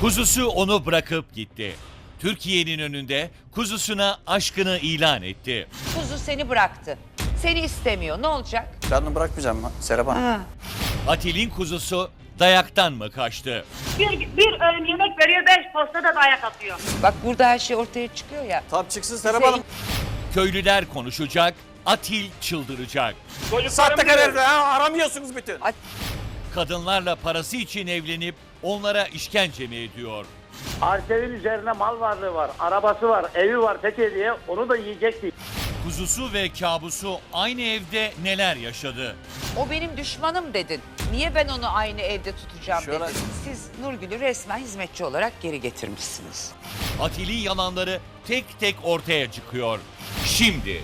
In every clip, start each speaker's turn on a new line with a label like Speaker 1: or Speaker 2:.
Speaker 1: Kuzusu onu bırakıp gitti. Türkiye'nin önünde kuzusuna aşkını ilan etti.
Speaker 2: Kuzu seni bıraktı. Seni istemiyor. Ne olacak?
Speaker 3: Ben onu bırakmayacağım Serap Hanım.
Speaker 1: Atil'in kuzusu dayaktan mı kaçtı?
Speaker 4: Bir öğün yemek veriyor, 5 posta da dayak atıyor.
Speaker 2: Bak burada her şey ortaya çıkıyor ya.
Speaker 3: Tabii çıksın Serap
Speaker 2: Bize-
Speaker 3: Hanım.
Speaker 1: Köylüler konuşacak, Atil çıldıracak.
Speaker 3: Sahtekar herif aramıyorsunuz bütün.
Speaker 1: Kadınlarla parası için evlenip onlara işkence mi ediyor?
Speaker 5: Arsel'in üzerine mal varlığı var, arabası var, evi var Fethiye'ye, onu da yiyecekti.
Speaker 1: Kuzusu ve kabusu aynı evde neler yaşadı?
Speaker 2: O benim düşmanım dedin. Niye ben onu aynı evde tutacağım
Speaker 3: Şöyle-
Speaker 2: dedin. Siz Nurgül'ü resmen hizmetçi olarak geri getirmişsiniz.
Speaker 1: Atil'in yalanları tek tek ortaya çıkıyor. Şimdi.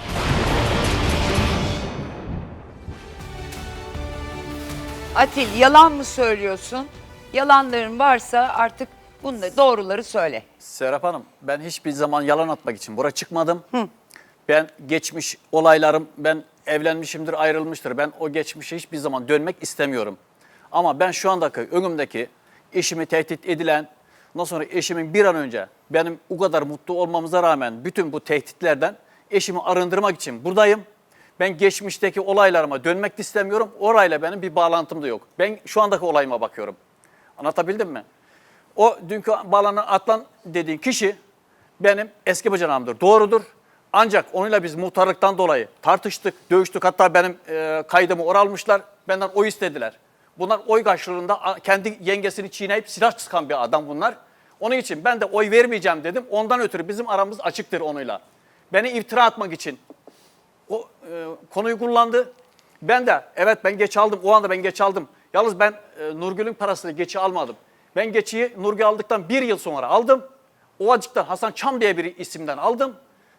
Speaker 2: Atil yalan mı söylüyorsun? Yalanların varsa artık bunları doğruları söyle.
Speaker 3: Serap Hanım, ben hiçbir zaman yalan atmak için buraya çıkmadım. Ben geçmiş olaylarım, ben evlenmişimdir, ayrılmıştır. Ben o geçmişe hiçbir zaman dönmek istemiyorum. Ama ben şu andaki önümdeki eşimi tehdit edilen, ondan sonra eşimin bir an önce benim o kadar mutlu olmamıza rağmen bütün bu tehditlerden eşimi arındırmak için buradayım. Ben geçmişteki olaylarıma dönmek de istemiyorum. Orayla benim bir bağlantım da yok. Ben şu andaki olayıma bakıyorum. Anlatabildim mi? O dünkü bağlanan Atlan dediğin kişi benim eski bacanağımdır. Doğrudur. Ancak onunla biz muhtarlıktan dolayı tartıştık, dövüştük. Hatta benim kaydımı oralmışlar. Benden oy istediler. Bunlar oy karşılığında kendi yengesini çiğneyip silah sıkan bir adam bunlar. Onun için ben de oy vermeyeceğim dedim. Ondan ötürü bizim aramız açıktır onunla. Beni iftira atmak için o konuyu kullandı. Ben de evet ben geç aldım. O anda ben geç aldım. Yalnız ben Nurgül'ün parasını geçi almadım. Ben geçiyi Nurgül aldıktan bir yıl sonra aldım. Ovacık'tan Hasan Çam diye bir isimden aldım.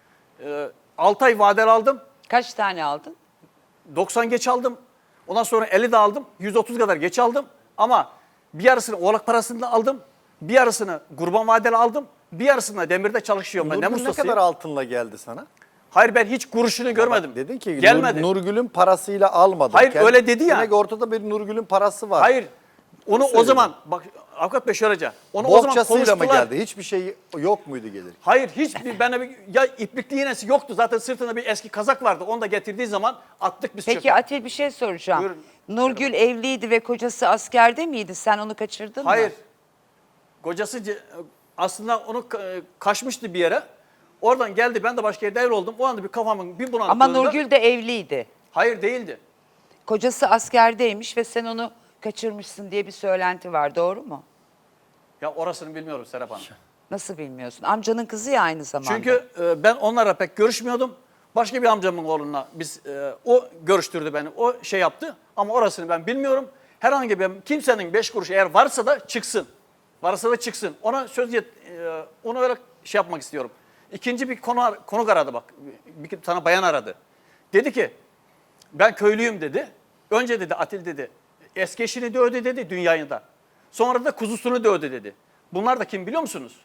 Speaker 3: 6 ay vadeli aldım.
Speaker 2: Kaç tane aldın?
Speaker 3: 90 geç aldım. Ondan sonra 50 de aldım. 130 kadar geç aldım. Ama bir yarısını oğlak parasında aldım. Bir yarısını kurban vadeli aldım. Bir yarısını demirde çalışıyorum ben. Ne
Speaker 6: Nurgül ne
Speaker 3: mustasıyım.
Speaker 6: kadar altınla geldi sana?
Speaker 3: Hayır ben hiç kuruşunu görmedim.
Speaker 6: Dedin ki
Speaker 3: gelmedi.
Speaker 6: Nurgül'ün parasıyla almadım.
Speaker 3: Hayır, öyle dedi ya.
Speaker 6: Demek ortada bir Nurgül'ün parası var.
Speaker 3: Hayır. Onu o
Speaker 6: söylüyorum.
Speaker 3: zaman bak avukat Bey şöylece. Onu o zaman
Speaker 6: Bohçasıyla mı
Speaker 3: konuştular.
Speaker 6: geldi? Hiçbir şey yok muydu gelir?
Speaker 3: Hayır hiçbir bana bir ya iplikli iğnesi yoktu. Zaten sırtında bir eski kazak vardı. Onu da getirdiği zaman attık biz
Speaker 2: Peki
Speaker 3: çöpe.
Speaker 2: Atil bir şey soracağım.
Speaker 3: Buyurun.
Speaker 2: Nurgül evliydi ve kocası askerde miydi? Sen onu kaçırdın mı?
Speaker 3: Hayır. Kocası aslında onu kaçmıştı bir yere. Oradan geldi ben de başka yerde evli oldum. O anda bir kafamın bir bulanıklığında.
Speaker 2: Ama Nurgül de evliydi.
Speaker 3: Hayır değildi.
Speaker 2: Kocası askerdeymiş ve sen onu kaçırmışsın diye bir söylenti var. Doğru mu?
Speaker 3: Ya orasını bilmiyorum Serap Hanım.
Speaker 2: Nasıl bilmiyorsun? Amcanın kızı ya aynı zamanda.
Speaker 3: Çünkü ben onlarla pek görüşmüyordum. Başka bir amcamın oğluna o görüştürdü beni. O şey yaptı ama orasını ben bilmiyorum. Herhangi bir kimsenin 5 kuruş eğer varsa da çıksın. Varsa da çıksın. Ona onu öyle şey yapmak istiyorum. İkinci bir konuk aradı bak. Bir tane bayan aradı. Dedi ki ben köylüyüm dedi. Önce dedi Atil dedi. Eski eşini dövdü dedi dünyayında. Sonra da kuzusunu dövdü dedi. Bunlar da kim biliyor musunuz?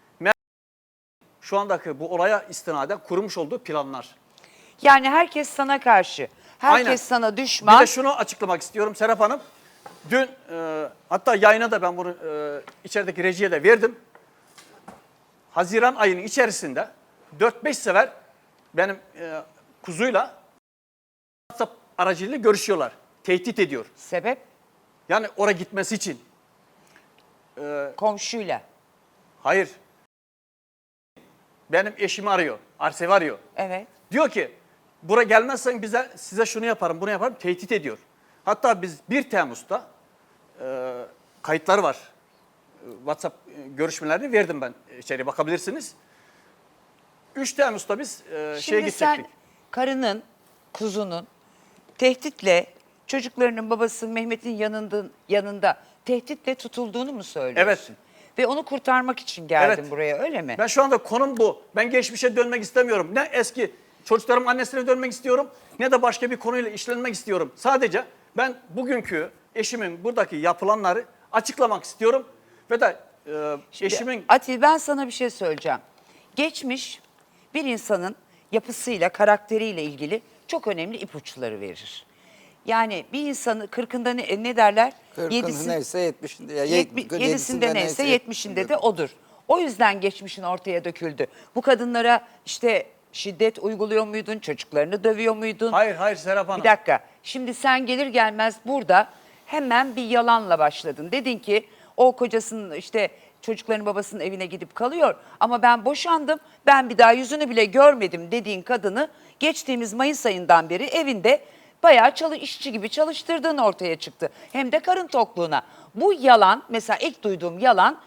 Speaker 3: Şu andaki bu olaya istinaden kurmuş olduğu planlar.
Speaker 2: Yani herkes sana karşı. Herkes
Speaker 3: Aynen.
Speaker 2: sana
Speaker 3: Bir
Speaker 2: düşman.
Speaker 3: de şunu açıklamak istiyorum Serap Hanım. Dün hatta yayına da ben bunu içerideki rejiye de verdim. Haziran ayının içerisinde 4-5 sefer benim kuzuyla WhatsApp aracılığıyla görüşüyorlar. Tehdit ediyor.
Speaker 2: Sebep
Speaker 3: Yani oraya gitmesi için.
Speaker 2: komşuyla.
Speaker 3: Hayır. Benim eşimi arıyor. Arsevi arıyor.
Speaker 2: Evet.
Speaker 3: Diyor ki buraya gelmezsen size şunu yaparım bunu yaparım tehdit ediyor. Hatta biz 1 Temmuz'da kayıtlar var. WhatsApp görüşmelerini verdim ben içeriye bakabilirsiniz. 3 Temmuz'da biz şeye
Speaker 2: Şimdi
Speaker 3: gidecektik.
Speaker 2: sen karının, kuzunun tehditle çocuklarının babası Mehmet'in yanında tehditle tutulduğunu mu söylüyorsun?
Speaker 3: Evet.
Speaker 2: Ve onu kurtarmak için geldin
Speaker 3: Evet.
Speaker 2: buraya öyle mi?
Speaker 3: Ben şu anda konum bu. Ben geçmişe dönmek istemiyorum. Ne eski çocuklarım annesine dönmek istiyorum ne de başka bir konuyla işlenmek istiyorum. Sadece ben bugünkü eşimin buradaki yapılanları açıklamak istiyorum. Ve de eşimin...
Speaker 2: Atil ben sana bir şey söyleyeceğim. Geçmiş bir insanın yapısıyla, karakteriyle ilgili çok önemli ipuçları verir. Yani bir insanı 40'ında ne derler?
Speaker 7: 40'ında neyse 70'inde. Ya
Speaker 2: 7'sinde neyse 70'inde de odur. O yüzden geçmişin ortaya döküldü. Bu kadınlara işte şiddet uyguluyor muydun? Çocuklarını dövüyor muydun?
Speaker 3: Hayır Serap Hanım.
Speaker 2: Bir dakika. Şimdi sen gelir gelmez burada hemen bir yalanla başladın. Dedin ki o kocasının işte çocukların babasının evine gidip kalıyor ama ben boşandım, ben bir daha yüzünü bile görmedim dediğin kadını geçtiğimiz Mayıs ayından beri evinde bayağı işçi gibi çalıştırdığın ortaya çıktı. Hem de karın tokluğuna. Bu yalan, mesela ilk duyduğum yalan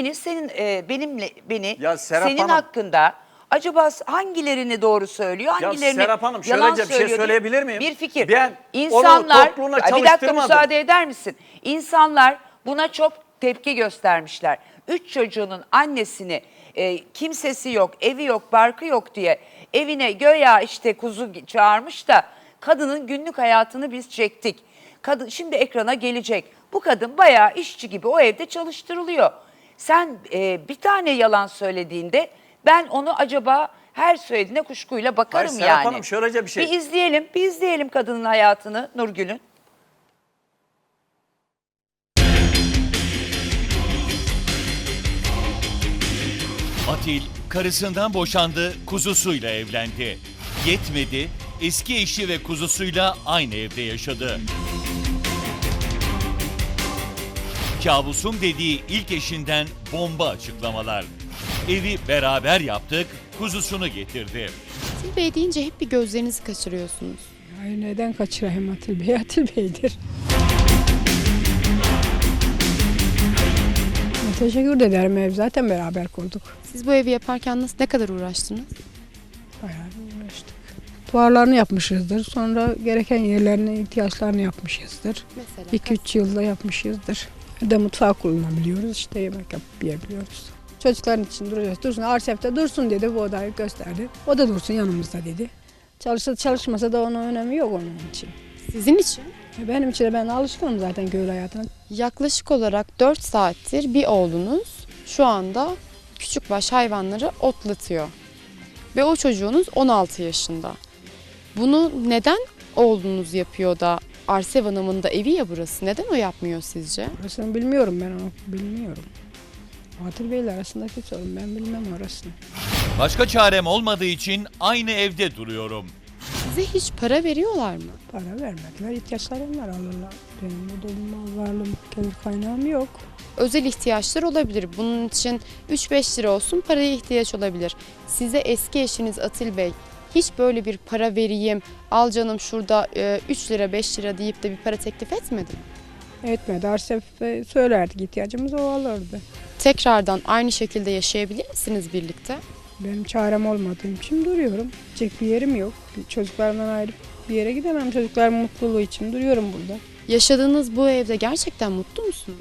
Speaker 2: beni
Speaker 3: Ya Serap
Speaker 2: senin
Speaker 3: Hanım.
Speaker 2: hakkında acaba hangilerini doğru söylüyor,
Speaker 3: Ya
Speaker 2: hangilerini
Speaker 3: Serap Hanım,
Speaker 2: yalan
Speaker 3: şöylece bir şey
Speaker 2: söylüyor diye
Speaker 3: söyleyebilir miyim?
Speaker 2: Bir fikir.
Speaker 3: Ben
Speaker 2: İnsanlar,
Speaker 3: onu topluğuna
Speaker 2: bir dakika
Speaker 3: çalıştırmadım.
Speaker 2: müsaade eder misin? İnsanlar buna çok tepki göstermişler. 3 çocuğunun annesini kimsesi yok, evi yok, barkı yok diye evine göya işte kuzu çağırmış da kadının günlük hayatını biz çektik. Kadın şimdi ekrana gelecek. Bu kadın bayağı işçi gibi o evde çalıştırılıyor. Sen bir tane yalan söylediğinde ben onu acaba her söylediğine kuşkuyla bakarım
Speaker 3: Hayır, Serap
Speaker 2: yani.
Speaker 3: Hanım, şöylece bir şey.
Speaker 2: Bir izleyelim kadının hayatını Nurgül'ün.
Speaker 1: Atil karısından boşandı, kuzusuyla evlendi. Yetmedi, eski eşi ve kuzusuyla aynı evde yaşadı. Kabusum dediği ilk eşinden bomba açıklamalar. Evi beraber yaptık, kuzusunu getirdi.
Speaker 8: Atil Bey deyince hep bir gözlerinizi kaçırıyorsunuz.
Speaker 9: Hayır, neden kaçırayım Atil Bey? Atil Bey'dir. Teşekkür ederim, ev zaten beraber kurduk.
Speaker 8: Siz bu evi yaparken ne kadar uğraştınız?
Speaker 9: Bayağı uğraştık. Duvarlarını yapmışızdır, sonra gereken yerlerine ihtiyaçlarını yapmışızdır.
Speaker 8: Mesela
Speaker 9: 2-3 yılda yapmışızdır. Bir de mutfağı kullanabiliyoruz, işte yemek yapıp yiyebiliyoruz. Çocukların için duracağız. Dursun, Arsef'te dursun dedi, bu odayı gösterdi. O da dursun yanımızda dedi. Çalışsa çalışmasa da onun önemi yok onun için.
Speaker 8: sizin için
Speaker 9: Benim için de ben alışkınım zaten köylü hayatına.
Speaker 8: yaklaşık olarak 4 saattir bir oğlunuz şu anda küçükbaş hayvanları otlatıyor. Ve o çocuğunuz 16 yaşında. Bunu neden oğlunuz yapıyor da Arsev Hanım'ın da evi ya burası? Neden o yapmıyor sizce?
Speaker 9: Orasını bilmiyorum, ben onu bilmiyorum. Atil Bey'le arasındaki sorun, ben bilmem orasını.
Speaker 1: Başka çarem olmadığı için aynı evde duruyorum.
Speaker 8: Size hiç para veriyorlar mı?
Speaker 9: Para vermediler, ihtiyaçlarım var, alırlar. Benim burada mal varlığım, gelir kaynağım yok.
Speaker 8: Özel ihtiyaçlar olabilir. Bunun için 3-5 lira olsun paraya ihtiyaç olabilir. Size eski eşiniz Atil Bey hiç böyle bir para vereyim, al canım şurada 3 lira 5 lira deyip de bir para teklif etmedi mi?
Speaker 9: Etmedi, Arsef'e söylerdik, ihtiyacımız o alırdı.
Speaker 8: Tekrardan aynı şekilde yaşayabilir misiniz birlikte?
Speaker 9: Benim çarem olmadığım için duruyorum. Gidecek bir yerim yok. Çocuklarımdan ayrı bir yere gidemem. Çocuklarımın mutluluğu için duruyorum burada.
Speaker 8: Yaşadığınız bu evde gerçekten mutlu musunuz?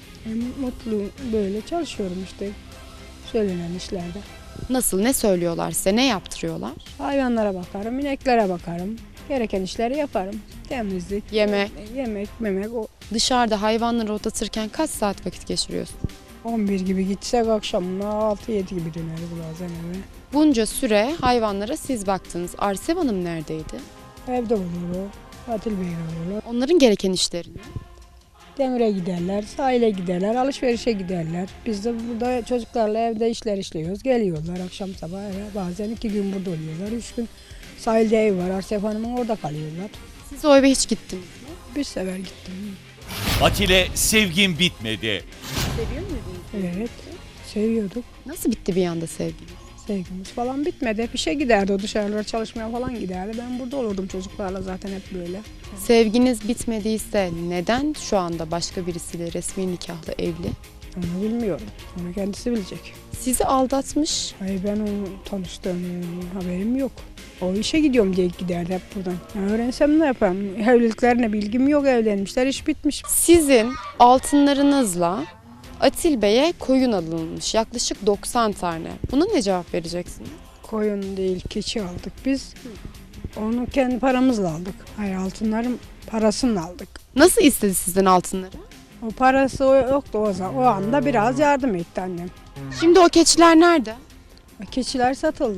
Speaker 9: Mutlu böyle çalışıyorum işte söylenen işlerde.
Speaker 8: Nasıl, ne söylüyorlar size, ne yaptırıyorlar?
Speaker 9: Hayvanlara bakarım, ineklere bakarım. Gereken işleri yaparım. Temizlik,
Speaker 8: Yemek.
Speaker 9: yemek, memek. O
Speaker 8: Dışarıda hayvanları otlatırken kaç saat vakit geçiriyorsun?
Speaker 9: 11 gibi gitsek akşamına 6-7 gibi döneriz bazen eve.
Speaker 8: Bunca süre hayvanlara siz baktınız. Arsev Hanım neredeydi?
Speaker 9: Evde olur o. Atil Bey'le olurlar.
Speaker 8: Onların gereken işlerini.
Speaker 9: Demire giderler, sahile giderler, alışverişe giderler. Biz de burada çocuklarla evde işler işliyoruz. Geliyorlar akşam sabah eve. Bazen 2 gün burada oluyorlar. 3 gün sahilde ev var. Arsef Hanım'ın orada kalıyorlar.
Speaker 8: Siz o eve hiç gittiniz mi?
Speaker 9: Bir sefer gittim.
Speaker 1: Atile sevgim bitmedi.
Speaker 8: Seviyor muydunuz?
Speaker 9: Evet, seviyorduk.
Speaker 8: Nasıl bitti bir anda sevginiz?
Speaker 9: Sevgimiz falan bitmedi. Hep işe giderdi, o dışarılara çalışmaya falan giderdi. Ben burada olurdum çocuklarla zaten hep böyle.
Speaker 8: Sevginiz bitmediyse neden şu anda başka birisiyle resmi nikahlı evli?
Speaker 9: Onu bilmiyorum. Onu kendisi bilecek.
Speaker 8: Sizi aldatmış.
Speaker 9: Hayır, ben onu tanıştığım haberim yok. O işe gidiyorum diye giderdi hep buradan. Ya öğrensem ne yaparım? Evliliklerine bilgim yok, evlenmişler, iş bitmiş.
Speaker 8: Sizin altınlarınızla Atil Bey'e koyun alınmış. Yaklaşık 90 tane. Buna ne cevap vereceksiniz?
Speaker 9: Koyun değil, keçi aldık biz. Onu kendi paramızla aldık. Hayır, altınların parasını aldık.
Speaker 8: Nasıl istedi sizden altınları?
Speaker 9: O parası yoktu o zaman. O anda biraz yardım etti annem.
Speaker 8: Şimdi o keçiler nerede?
Speaker 9: Keçiler satıldı.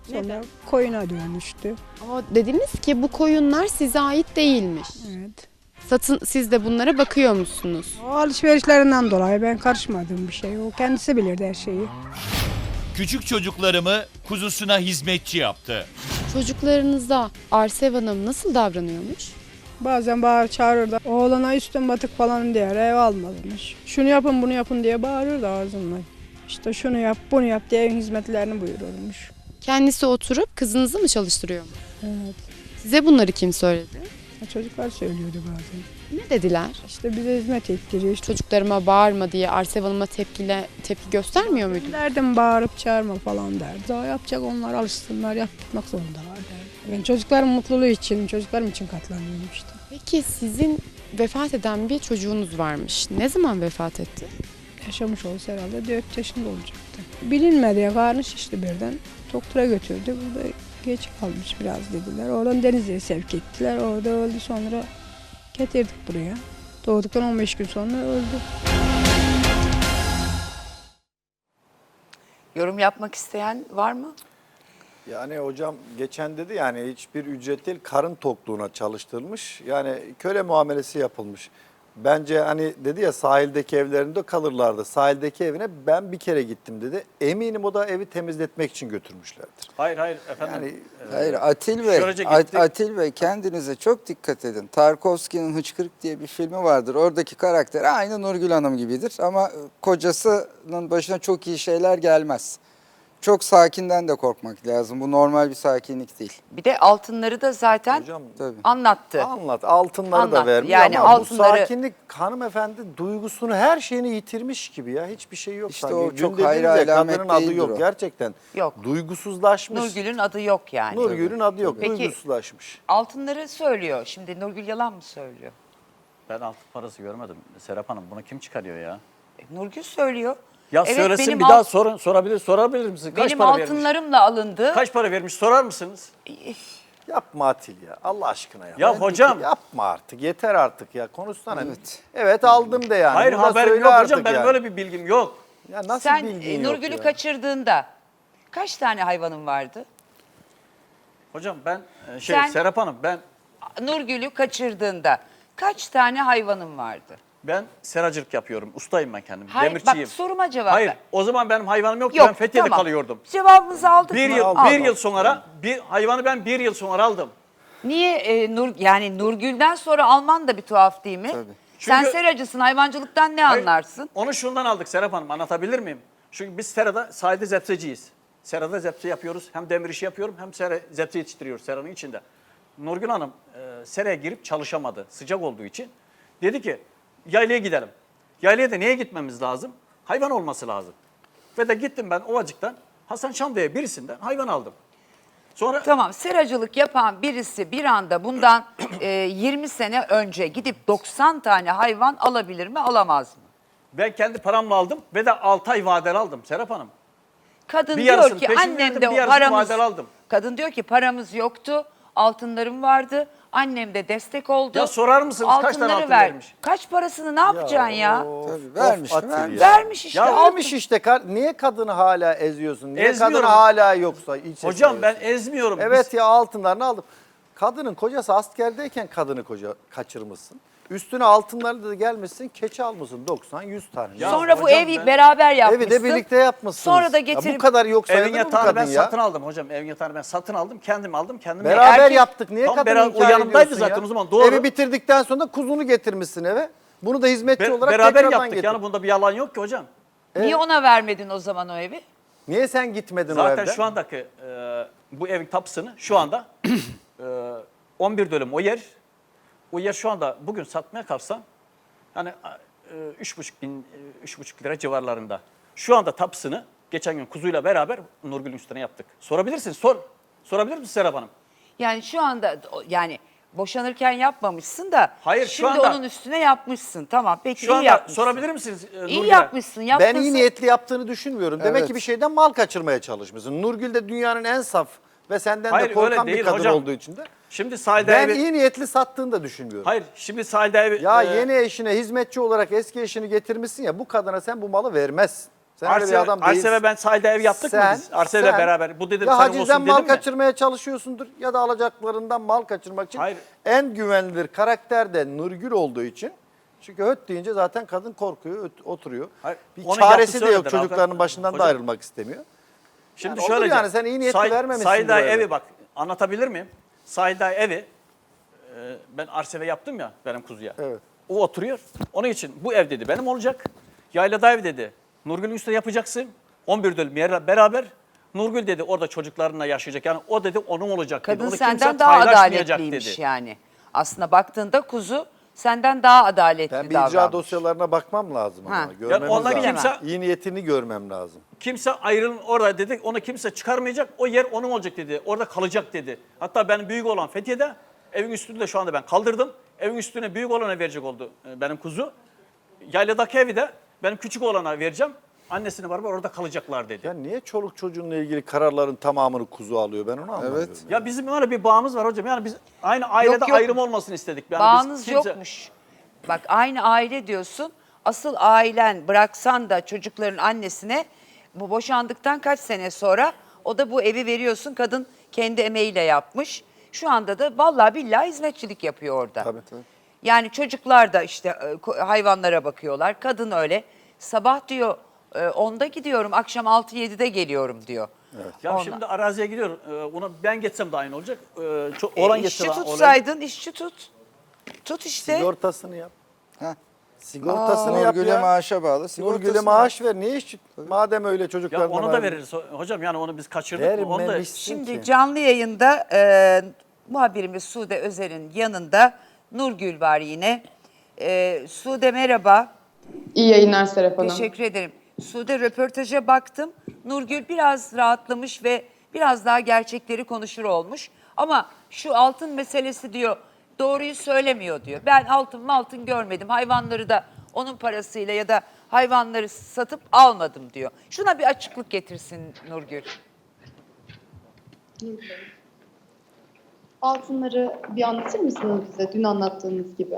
Speaker 9: Sonra koyuna dönüştü.
Speaker 8: Ama dediniz ki bu koyunlar size ait değilmiş.
Speaker 9: Evet.
Speaker 8: Siz de bunlara bakıyor musunuz?
Speaker 9: O alışverişlerinden dolayı ben karışmadığım bir şey. O kendisi bilirdi her şeyi.
Speaker 1: Küçük çocuklarımı kuzusuna hizmetçi yaptı.
Speaker 8: Çocuklarınıza Arsev Hanım nasıl davranıyormuş?
Speaker 9: Bazen bağır çağırırdı. Oğlana üstün batık falan diye ev almamış. Şunu yapın bunu yapın diye bağırırdı ağzımla. İşte şunu yap bunu yap diye evin hizmetlerini buyururmuş.
Speaker 8: Kendisi oturup kızınızı mı çalıştırıyor mu?
Speaker 9: Evet.
Speaker 8: Size bunları kim söyledi?
Speaker 9: Çocuklar söylüyordu bazen.
Speaker 8: Ne dediler?
Speaker 9: İşte bize hizmet ettiriyor. İşte
Speaker 8: Çocuklarıma bağırma diye Arsev Hanım'a tepki göstermiyor muydunuz?
Speaker 9: derdim bağırıp çağırma falan derdi. Daha yapacak onlar alışsınlar yapmak zorundalar derdi. Ben çocukların mutluluğu için, çocuklarım için katlanıyorum işte.
Speaker 8: Peki sizin vefat eden bir çocuğunuz varmış. Ne zaman vefat etti?
Speaker 9: Yaşamış olsa herhalde 4 yaşında olacaktı. Bilinmedi ya karnı şişti birden. Doktora götürdü. Burada geç kalmış biraz dediler. Oradan Denizli'ye sevk ettiler. Orada öldü sonra getirdik buraya. Doğduktan 15 gün sonra öldü.
Speaker 2: Yorum yapmak isteyen var mı?
Speaker 6: Yani hocam geçen dedi yani hiçbir ücret değil karın tokluğuna çalıştırılmış. Yani köle muamelesi yapılmış. Bence hani dedi ya sahildeki evlerinde kalırlardı. Sahildeki evine ben bir kere gittim dedi. Eminim o da evi temizletmek için götürmüşlerdir.
Speaker 3: Hayır efendim.
Speaker 6: Yani
Speaker 7: Hayır Atil Bey,
Speaker 3: Şöylece gittik.
Speaker 7: Atil Bey kendinize çok dikkat edin. Tarkovski'nin Hıçkırık diye bir filmi vardır. Oradaki karakter aynı Nurgül Hanım gibidir ama kocasının başına çok iyi şeyler gelmez. Çok sakinden de korkmak lazım. Bu normal bir sakinlik değil.
Speaker 2: Bir de altınları da zaten
Speaker 6: hocam
Speaker 7: Tabii.
Speaker 2: anlattı.
Speaker 6: anlat altınları
Speaker 2: Anlat.
Speaker 6: da vermiş
Speaker 2: Yani
Speaker 6: ama
Speaker 2: altınları-
Speaker 6: bu sakinlik hanımefendi duygusunu her şeyini yitirmiş gibi ya. Hiçbir şey yok.
Speaker 7: İşte
Speaker 6: sanki.
Speaker 7: o
Speaker 6: Dün
Speaker 7: çok
Speaker 6: dediniz
Speaker 7: hayra
Speaker 6: ya,
Speaker 7: alamet
Speaker 6: kadının adı
Speaker 7: değildir
Speaker 6: yok
Speaker 7: o.
Speaker 6: gerçekten.
Speaker 2: Yok.
Speaker 6: Duygusuzlaşmış.
Speaker 2: Nurgül'ün adı yok yani.
Speaker 6: Nurgül'ün adı yok.
Speaker 2: Peki-
Speaker 6: Duygusuzlaşmış.
Speaker 2: Altınları söylüyor. Şimdi Nurgül yalan mı söylüyor?
Speaker 3: Ben altın parası görmedim. Serap Hanım bunu kim çıkarıyor ya?
Speaker 2: Nurgül söylüyor.
Speaker 3: Ya
Speaker 2: Evet,
Speaker 3: söylesin
Speaker 2: benim
Speaker 3: bir daha
Speaker 2: alt-
Speaker 3: sorabilir misin? Kaç
Speaker 2: Benim
Speaker 3: para vermiş?
Speaker 2: altınlarımla alındı.
Speaker 3: Kaç para vermiş sorar mısınız?
Speaker 6: Yapma Atil ya. Allah aşkına ya.
Speaker 3: Ya hocam.
Speaker 6: Yapma artık. Yeter artık ya. Konuşsana.
Speaker 7: Evet.
Speaker 6: Evet aldım de yani.
Speaker 3: Hayır
Speaker 6: Burada
Speaker 3: haberim
Speaker 6: söyle
Speaker 3: yok
Speaker 6: artık
Speaker 3: hocam. Benim
Speaker 6: yani.
Speaker 3: böyle bir bilgim yok.
Speaker 6: Ya nasıl
Speaker 2: Sen
Speaker 6: bilgin yok
Speaker 2: Nurgül'ü
Speaker 6: ya?
Speaker 2: kaçırdığında kaç tane hayvanın vardı?
Speaker 3: Hocam ben
Speaker 2: Sen-
Speaker 3: Serap Hanım
Speaker 2: Nurgül'ü kaçırdığında kaç tane hayvanın vardı?
Speaker 3: ben seracılık yapıyorum. Ustayım ben kendim.
Speaker 2: Hayır,
Speaker 3: Demirçiyim.
Speaker 2: bak soruma cevap
Speaker 3: Hayır
Speaker 2: ver.
Speaker 3: o zaman benim hayvanım yoktu.
Speaker 2: Yok,
Speaker 3: Ben Fethiye'de
Speaker 2: tamam.
Speaker 3: kalıyordum.
Speaker 2: Cevabımızı aldık
Speaker 3: Bir
Speaker 2: mı?
Speaker 3: yıl,
Speaker 2: Aldık.
Speaker 3: bir yıl sonra hayvanı ben bir yıl sonra aldım.
Speaker 2: Niye yani Nurgül'den sonra alman da bir tuhaf değil mi?
Speaker 7: Tabii.
Speaker 2: Sen
Speaker 3: Çünkü-
Speaker 2: seracısın, hayvancılıktan ne
Speaker 3: Hayır,
Speaker 2: anlarsın?
Speaker 3: Onu şundan aldık Serap Hanım, anlatabilir miyim? Çünkü biz serada sahilde zepseciyiz. Serada zepse yapıyoruz. Hem demir işi yapıyorum hem zepse yetiştiriyoruz seranın içinde. Nurgül Hanım seraya girip çalışamadı sıcak olduğu için. Dedi ki yaylaya gidelim. Yaylaya da niye gitmemiz lazım? Hayvan olması lazım. Ve de gittim ben Ovacık'tan Hasan Şam'daya birisinden hayvan aldım. Sonra
Speaker 2: Tamam, seracılık yapan birisi bir anda bundan 20 sene önce gidip 90 tane hayvan alabilir mi, alamaz mı?
Speaker 3: ben kendi paramla aldım ve de 6 ay vadeli aldım Serap Hanım.
Speaker 2: Kadın
Speaker 3: Bir
Speaker 2: diyor
Speaker 3: yarısını
Speaker 2: ki
Speaker 3: peşin
Speaker 2: annem
Speaker 3: verdim,
Speaker 2: de
Speaker 3: bir
Speaker 2: o
Speaker 3: yarısını
Speaker 2: paramız
Speaker 3: vadeli aldım.
Speaker 2: Kadın diyor ki paramız yoktu. Altınlarım vardı. Annem de destek oldu.
Speaker 3: Ya sorar mısınız kaç tane
Speaker 2: Altınları
Speaker 3: altın
Speaker 2: ver.
Speaker 3: vermiş?
Speaker 2: Kaç parasını ne yapacaksın ya?
Speaker 7: Tabii vermiş mi?
Speaker 6: Atil
Speaker 7: Vermiş.
Speaker 6: ya.
Speaker 2: Vermiş işte.
Speaker 3: Ya
Speaker 2: altın.
Speaker 6: Vermiş işte. Niye kadını hala eziyorsun? Niye
Speaker 3: Ezmiyorum.
Speaker 6: kadını hala yoksa?
Speaker 3: Hocam ben ezmiyorum.
Speaker 6: Evet ya altınlarını aldım. Kadının kocası askerdeyken kadını kaçırmışsın. Üstüne altınlarla da gelmişsin, keçi almışsın 90-100 tane.
Speaker 3: Ya
Speaker 2: Sonra bu
Speaker 3: hocam
Speaker 2: evi
Speaker 3: ben-
Speaker 2: beraber yapmışsın.
Speaker 6: Evi de birlikte yapmışsınız.
Speaker 2: Sonra da
Speaker 6: Ya
Speaker 2: getirip
Speaker 6: bu kadar yok sayılır
Speaker 3: Evin
Speaker 6: mı bu
Speaker 3: yatağını
Speaker 6: kadın
Speaker 3: ben
Speaker 6: ya?
Speaker 3: satın aldım hocam. Evin yatağını ben satın aldım. Kendim aldım. Kendim
Speaker 6: Beraber
Speaker 2: Erkek-
Speaker 6: yaptık. Niye
Speaker 3: Tam
Speaker 6: kadını
Speaker 3: beraber- o
Speaker 6: inkar
Speaker 3: yanımdaydı
Speaker 6: ediyorsun
Speaker 3: zaten
Speaker 6: ya?
Speaker 3: o zaman, doğru.
Speaker 6: Evi bitirdikten sonra da kuzunu getirmişsin eve. Bunu da hizmetçi olarak
Speaker 3: beraber
Speaker 6: tekrardan
Speaker 3: yaptık.
Speaker 6: getir.
Speaker 3: Yani bunda bir yalan yok ki hocam.
Speaker 2: niye ona vermedin o zaman o evi?
Speaker 6: Niye sen gitmedin o
Speaker 3: Zaten
Speaker 6: evde?
Speaker 3: şu andaki bu evin tapısını şu anda 11 dönüm o yer. O yer şu anda bugün satmaya kalksam hani 3,5 lira civarlarında. Şu anda tapısını geçen gün kuzuyla beraber Nurgül'ün üstüne yaptık. Sorabilirsiniz. Sorabilir misiniz Serap Hanım?
Speaker 2: Yani şu anda yani boşanırken yapmamışsın da
Speaker 3: Hayır, şu
Speaker 2: şimdi
Speaker 3: anda-
Speaker 2: onun üstüne yapmışsın. Tamam peki
Speaker 3: Şu
Speaker 2: iyi
Speaker 3: anda
Speaker 2: yapmışsın.
Speaker 3: sorabilir misiniz
Speaker 2: İyi
Speaker 3: Nurgül'e?
Speaker 2: yapmışsın.
Speaker 6: Ben
Speaker 2: yapmışsın.
Speaker 6: iyi niyetli yaptığını düşünmüyorum. Demek
Speaker 7: Evet.
Speaker 6: ki bir şeyden mal kaçırmaya çalışmışsın. Nurgül de dünyanın en saf ve senden
Speaker 3: Hayır,
Speaker 6: de korkan
Speaker 3: öyle
Speaker 6: bir
Speaker 3: değil
Speaker 6: kadın
Speaker 3: hocam.
Speaker 6: olduğu için de.
Speaker 3: Şimdi sahilde
Speaker 6: Ben
Speaker 3: evi...
Speaker 6: iyi niyetli sattığını da düşünmüyorum.
Speaker 3: Hayır, şimdi sahilde evi...
Speaker 6: Ya yeni eşine hizmetçi olarak eski eşini getirmişsin ya bu kadına sen bu malı vermezsin. Sen öyle bir adam değilsin.
Speaker 3: Arse've ben sahilde ev yaptık mı biz? Arse'yle
Speaker 6: sen
Speaker 3: beraber. Bu dedim
Speaker 6: ya
Speaker 3: senin
Speaker 6: hacizden
Speaker 3: olsun
Speaker 6: mal
Speaker 3: dedim mi?
Speaker 6: kaçırmaya çalışıyorsundur ya da alacaklarından mal kaçırmak için
Speaker 3: Hayır.
Speaker 6: en güvenilir karakter de Nurgül olduğu için. Çünkü höt deyince zaten kadın korkuyor, oturuyor.
Speaker 3: Hayır,
Speaker 6: Bir
Speaker 3: onun
Speaker 6: çaresi
Speaker 3: yaptığı
Speaker 6: de yok,
Speaker 3: öyledir
Speaker 6: çocuklarının
Speaker 3: abi.
Speaker 6: başından da
Speaker 3: Hocam,
Speaker 6: ayrılmak istemiyor.
Speaker 3: Şimdi
Speaker 6: Yani
Speaker 3: şöyle
Speaker 6: olur yani, sen iyi niyetli vermemişsin
Speaker 3: Sahilde
Speaker 6: bu eve.
Speaker 3: evi bak anlatabilir miyim? Sahilde evi ben Arse've yaptım ya benim kuzuya.
Speaker 6: Evet.
Speaker 3: O oturuyor. Onun için bu ev dedi benim olacak. Yaylada ev dedi. Nurgül'ün üstüne yapacaksın. 11 dönüm yerle beraber. Nurgül dedi orada çocuklarına yaşayacak. Yani o dedi onun olacak dedi.
Speaker 2: Kadın
Speaker 3: Onu
Speaker 2: senden
Speaker 3: kimse
Speaker 2: daha
Speaker 3: paylaşmayacak
Speaker 2: adaletliymiş
Speaker 3: dedi.
Speaker 2: yani. Aslında baktığında kuzu senden daha adaletli
Speaker 6: Ben bir
Speaker 2: davranmış.
Speaker 6: icra dosyalarına bakmam lazım
Speaker 2: Ha.
Speaker 6: ama. Görmemiz
Speaker 3: ondan
Speaker 6: lazım.
Speaker 3: kimse-
Speaker 6: İyi niyetini görmem lazım.
Speaker 3: Kimse ayrılın orada dedi. Onu kimse çıkarmayacak. O yer onun olacak dedi. Orada kalacak dedi. Hatta benim büyük olan Fethiye'de evin üstünde de şu anda ben kaldırdım. Evin üstüne büyük olana verecek oldu benim kuzu. Yayladaki evi de benim küçük olana vereceğim. Annesine beraber orada kalacaklar dedi.
Speaker 6: Ya niye çoluk çocuğunla ilgili kararların tamamını kuzu alıyor, ben onu anlamıyorum.
Speaker 7: Evet.
Speaker 3: Ya bizim öyle bir bağımız var hocam. Yani biz aynı ailede
Speaker 2: yok.
Speaker 3: ayrım olmasını istedik. Yani
Speaker 2: Bağınız
Speaker 3: kimse-
Speaker 2: yokmuş. Bak aynı aile diyorsun. Asıl ailen bıraksan da çocukların annesine bu boşandıktan kaç sene sonra o da bu evi veriyorsun. Kadın kendi emeğiyle yapmış. Şu anda da vallahi billahi hizmetçilik yapıyor orada.
Speaker 6: Tabii.
Speaker 2: Yani çocuklar da işte hayvanlara bakıyorlar. Kadın öyle. Sabah diyor 10'da gidiyorum, akşam 6-7'de geliyorum diyor.
Speaker 3: Ya
Speaker 2: Ondan.
Speaker 3: şimdi araziye gidiyor. Ona ben geçsem de aynı olacak. Olan geçse
Speaker 2: İşçi
Speaker 3: de aynı olacak.
Speaker 2: tutsaydın, işçi tut. Tut işte.
Speaker 6: Sigortasını yap.
Speaker 7: Heh.
Speaker 6: Sigortasını yap
Speaker 7: Nurgül'e
Speaker 6: ya.
Speaker 7: maaşa bağlı.
Speaker 6: Nurgül'e
Speaker 7: sigortasını
Speaker 6: maaş ver. Niye işçi? Madem öyle
Speaker 3: Ya
Speaker 6: çocuklarına
Speaker 3: onu da
Speaker 6: ver.
Speaker 3: veririz hocam. Yani onu biz kaçırdık. Onu da
Speaker 6: Vermemişsin
Speaker 2: Şimdi
Speaker 6: ki.
Speaker 2: canlı yayında muhabirimiz Sude Özer'in yanında Nurgül var yine. Sude merhaba.
Speaker 8: İyi yayınlar Serap Hanım.
Speaker 2: Teşekkür ederim. Sude röportaja baktım. Nurgül biraz rahatlamış ve biraz daha gerçekleri konuşur olmuş. Ama şu altın meselesi diyor doğruyu söylemiyor diyor. Ben altın görmedim. Hayvanları da onun parasıyla ya da hayvanları satıp almadım diyor. Şuna bir açıklık getirsin Nurgül.
Speaker 10: Altınları bir anlatır mısınız bize dün anlattığınız gibi?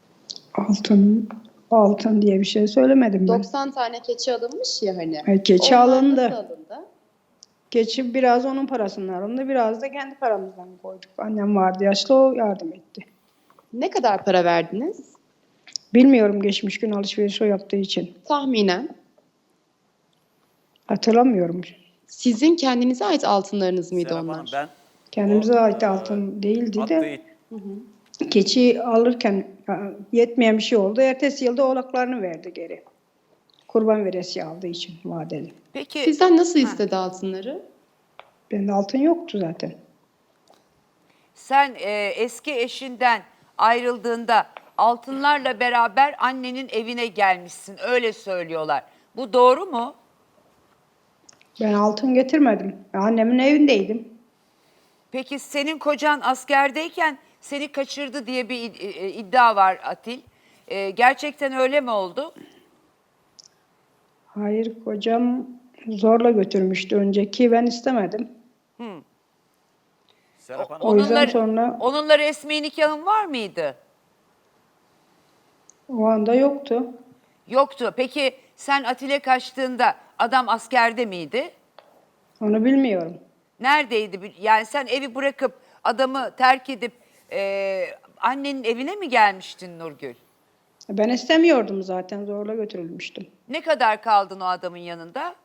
Speaker 9: Altın diye bir şey söylemedim ben.
Speaker 10: 90 tane keçi alınmış ya hani.
Speaker 9: Ay, keçi
Speaker 10: Onlar
Speaker 9: alındı.
Speaker 10: nasıl alındı?
Speaker 9: Geçip biraz onun parasından alındı, biraz da kendi paramızdan koyduk. Annem vardı yaşlı, o yardım etti.
Speaker 10: Ne kadar para verdiniz?
Speaker 9: Bilmiyorum, geçmiş gün alışveriş o yaptığı için.
Speaker 10: Tahminen.
Speaker 9: Hatırlamıyorum.
Speaker 10: Sizin kendinize ait altınlarınız mıydı
Speaker 3: Serap
Speaker 10: onlar?
Speaker 3: Hanım, ben
Speaker 9: Kendimize ait altın değildi de.
Speaker 3: attığı
Speaker 9: Keçi alırken yetmeyen bir şey oldu. Ertesi yılda oğlaklarını verdi geri. Kurban veresi aldığı için vadeli.
Speaker 2: Peki
Speaker 10: Sizden nasıl istedi altınları?
Speaker 9: Bende altın yoktu zaten.
Speaker 2: sen eski eşinden ayrıldığında altınlarla beraber annenin evine gelmişsin. Öyle söylüyorlar. Bu doğru mu?
Speaker 9: Ben altın getirmedim. Ben annemin evindeydim.
Speaker 2: Peki senin kocan askerdeyken seni kaçırdı diye bir iddia var Atil. Gerçekten öyle mi oldu?
Speaker 9: Hayır, kocam zorla götürmüştü önceki. Ben istemedim.
Speaker 3: Serap Hanım,
Speaker 9: O yüzden sonra
Speaker 2: Onunla resmi nikahın var mıydı?
Speaker 9: o anda yoktu.
Speaker 2: Yoktu. Peki sen Atil'e kaçtığında adam askerde miydi?
Speaker 9: Onu bilmiyorum.
Speaker 2: Neredeydi? Yani sen evi bırakıp adamı terk edip annenin evine mi gelmiştin Nurgül?
Speaker 9: Ben istemiyordum zaten. Zorla götürülmüştüm.
Speaker 2: Ne kadar kaldın o adamın yanında?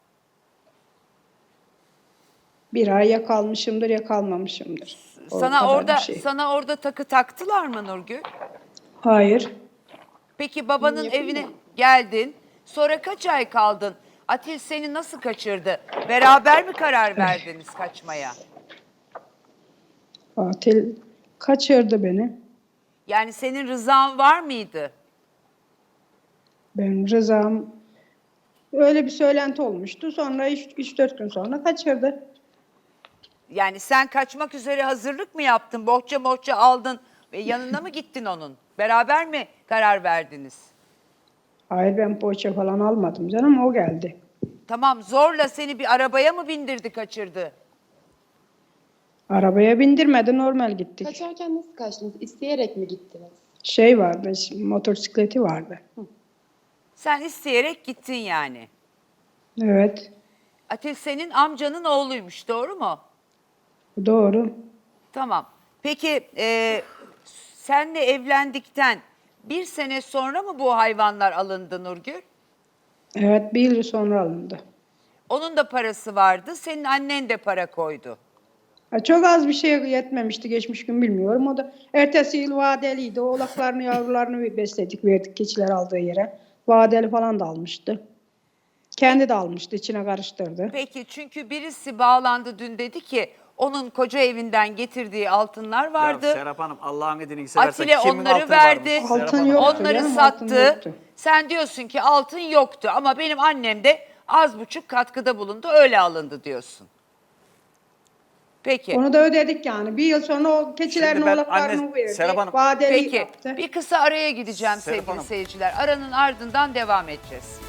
Speaker 9: Bir ay ya kalmışımdır ya kalmamışımdır. O
Speaker 2: Sana
Speaker 9: kadar
Speaker 2: orada
Speaker 9: bir şey.
Speaker 2: sana orada takı taktılar mı Nurgül?
Speaker 9: Hayır.
Speaker 2: Peki babanın evine geldin. Sonra kaç ay kaldın? Atil seni nasıl kaçırdı? Beraber mi karar verdiniz kaçmaya?
Speaker 9: Atil kaçırdı beni.
Speaker 2: Yani senin rızan var mıydı?
Speaker 9: Ben rızam, öyle bir söylenti olmuştu. Sonra 3-4 gün sonra kaçırdı.
Speaker 2: Yani sen kaçmak üzere hazırlık mı yaptın? Bohça aldın ve yanına mı gittin onun? Beraber mi karar verdiniz?
Speaker 9: Hayır, ben poğaça falan almadım canım, o geldi.
Speaker 2: Tamam, zorla seni bir arabaya mı bindirdi, kaçırdı?
Speaker 9: Arabaya bindirmedi, normal gittik.
Speaker 10: Kaçarken nasıl kaçtınız? İsteyerek mi gittiniz?
Speaker 9: Şey vardı, motosikleti vardı.
Speaker 2: Sen isteyerek gittin yani.
Speaker 9: Evet,
Speaker 2: Atil senin amcanın oğluymuş, doğru mu?
Speaker 9: doğru.
Speaker 2: Tamam. Peki senle evlendikten bir sene sonra mı bu hayvanlar alındı Nurgül?
Speaker 9: Evet, bir yıl sonra alındı.
Speaker 2: Onun da parası vardı, senin annen de para koydu.
Speaker 9: Çok az bir şey yetmemişti geçmiş gün bilmiyorum. O da ertesi yıl vadeliydi. Oğlaklarını yavrularını besledik verdik keçiler aldığı yere. Vadeli falan da almıştı. Kendi de almıştı içine karıştırdı.
Speaker 2: Peki çünkü birisi bağlandı dün dedi ki onun koca evinden getirdiği altınlar vardı.
Speaker 3: Ya Serap Hanım Allah'ın edini seversen
Speaker 2: Atilla
Speaker 3: kimin
Speaker 2: onları
Speaker 3: altını
Speaker 2: verdi.
Speaker 3: varmış? Serap
Speaker 9: Altın
Speaker 3: Hanım
Speaker 9: yok.
Speaker 3: ya.
Speaker 2: Onları
Speaker 9: Canım, altın
Speaker 2: sattı.
Speaker 9: yoktu.
Speaker 2: Sen diyorsun ki altın yoktu ama benim annem de az buçuk katkıda bulundu öyle alındı diyorsun. Peki.
Speaker 9: Onu da ödedik yani. Bir yıl sonra o keçilerin
Speaker 3: Şimdi ben
Speaker 9: oğlaklarını
Speaker 3: anne-
Speaker 9: verdik.
Speaker 3: Serap Hanım-
Speaker 9: Vadeli
Speaker 2: Peki
Speaker 9: yaptı.
Speaker 2: bir kısa araya gideceğim
Speaker 3: Serap
Speaker 2: sevgili
Speaker 3: Hanım.
Speaker 2: seyirciler. Aranın ardından devam edeceğiz.